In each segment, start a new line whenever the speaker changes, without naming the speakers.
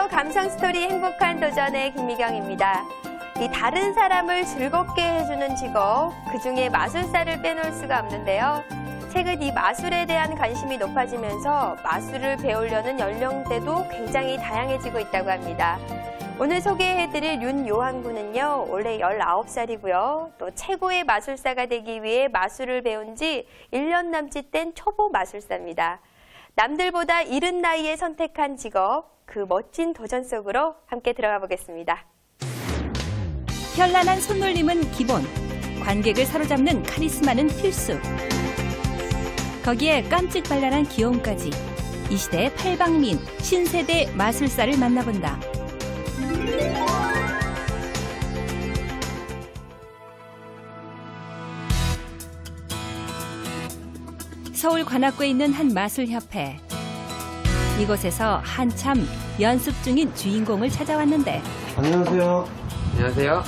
안녕하세요. 감성 스토리 행복한 도전의 김미경입니다. 이 다른 사람을 즐겁게 해주는 직업, 그중에 마술사를 빼놓을 수가 없는데요. 최근 이 마술에 대한 관심이 높아지면서 마술을 배우려는 연령대도 굉장히 다양해지고 있다고 합니다. 오늘 소개해드릴 윤요한 군은요, 올해 19살이고요. 또 최고의 마술사가 되기 위해 마술을 배운 지 1년 남짓 된 초보 마술사입니다. 남들보다 이른 나이에 선택한 직업, 그 멋진 도전 속으로 함께 들어가 보겠습니다.
현란한 손놀림은 기본, 관객을 사로잡는 카리스마는 필수. 거기에 깜찍발랄한 귀여움까지. 이 시대의 팔방미인, 신세대 마술사를 만나본다. 서울 관악구에 있는 한 마술협회. 이곳에서 한참 연습 중인 주인공을 찾아왔는데.
안녕하세요.
안녕하세요.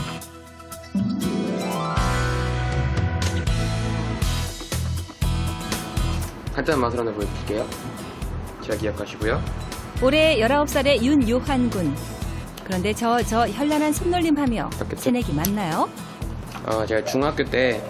간단한 마술 하나 보여드릴게요. 제가 기억하시고요.
올해 19살의 윤요한 군. 그런데 저 현란한 손놀림 하며
맞겠죠?
새내기 맞나요?
제가 중학교 때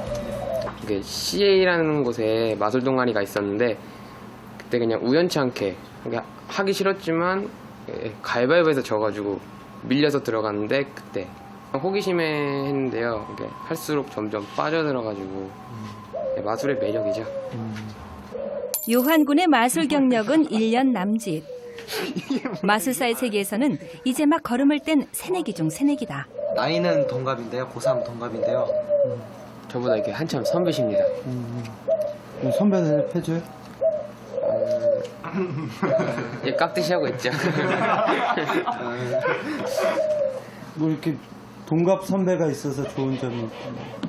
CA라는 곳에 마술 동아리가 있었는데 그때 그냥 우연치 않게 하기 싫었지만 가위바위보에서 져가지고 밀려서 들어갔는데 그때 호기심에 했는데요. 이게 할수록 점점 빠져들어가지고 마술의 매력이죠.
요한 군의 마술 경력은 1년 남짓. 마술사의 세계에서는 이제 막 걸음을 뗀 새내기 중 새내기다.
나이는 동갑인데요. 고3 동갑인데요.
저보다 이렇게 한참 선배십니다.
선배는 해줘요?
예, 깍듯이 하고 있죠.
뭐 이렇게 동갑 선배가 있어서 좋은 점이 있나요?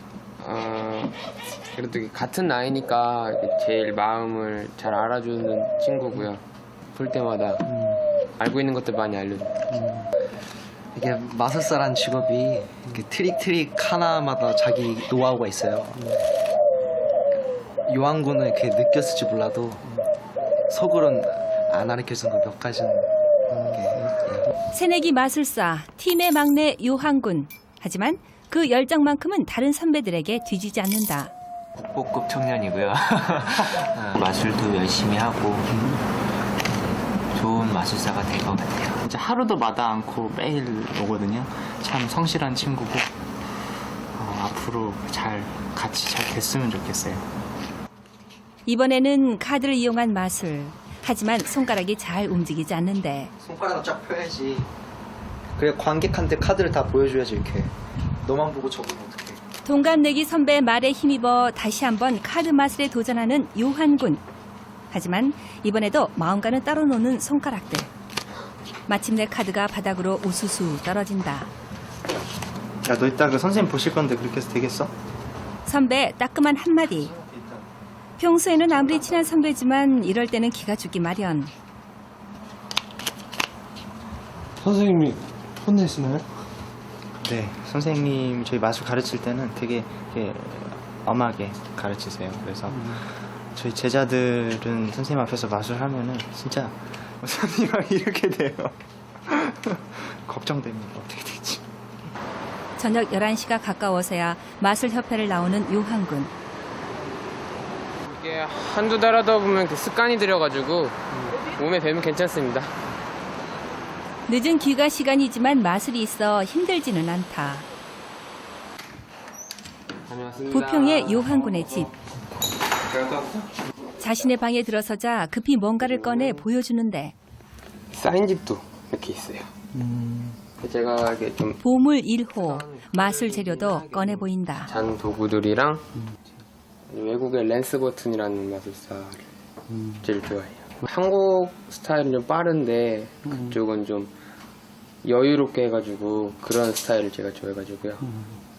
그래도 같은 나이니까 제일 마음을 잘 알아주는 친구고요. 볼 때마다 알고 있는 것들 많이 알려줘요.
이게 마술사란 직업이 이렇게 트릭 하나마다 자기 노하우가 있어요. 요한군은 이렇게 느꼈을지 몰라도 속으로는 안 가르쳐준 거 몇 가지는.
새내기 마술사, 팀의 막내 요한 군. 하지만 그 열정만큼은 다른 선배들에게 뒤지지 않는다.
국보급 청년이고요. 마술도 열심히 하고 좋은 마술사가 될 것 같아요.
진짜 하루도 마다 않고 매일 오거든요. 참 성실한 친구고 앞으로 같이 잘 됐으면 좋겠어요.
이번에는 카드를 이용한 마술. 하지만 손가락이 잘 움직이지 않는데.
손가락을 쫙 펴야지. 그래 관객한테 카드를 다 보여줘야지 이렇게. 너만 보고 적으면 어떡해.
동갑내기 선배의 말에 힘입어 다시 한번 카드 마술에 도전하는 요한 군. 하지만 이번에도 마음과는 따로 노는 손가락들. 마침내 카드가 바닥으로 우수수 떨어진다.
야, 너 이따 그 선생님 보실 건데 그렇게 해서 되겠어?
선배 따끔한 한마디. 평소에는 아무리 친한 선배지만 이럴 때는 기가 죽기 마련.
선생님이 혼내시나요?
네, 선생님 저희 마술 가르칠 때는 되게 엄하게 가르치세요. 그래서 저희 제자들은 선생님 앞에서 마술하면은 진짜 선생님이랑 이렇게 돼요. 걱정됩니다. 어떻게 될지.
저녁 11시가 가까워서야 마술협회를 나오는 요한 군.
이게 한두 달 하다 보면 습관이 들여가지고 몸에 배면 괜찮습니다.
늦은 귀가 시간이지만 마술이 있어 힘들지는 않다.
다녀왔습니다.
부평의 요한 군의 집. 자신의 방에 들어서자 급히 뭔가를 꺼내 보여주는데.
사인집도 이렇게 있어요. 제가 이렇게 좀
보물 1호, 마술 재료도 꺼내 보인다.
잔 도구들이랑 외국의 랜스 버튼이라는 마술사를 제일 좋아해요. 한국 스타일은 좀 빠른데 그쪽은 좀 여유롭게 해가지고 그런 스타일을 제가 좋아해가지고요.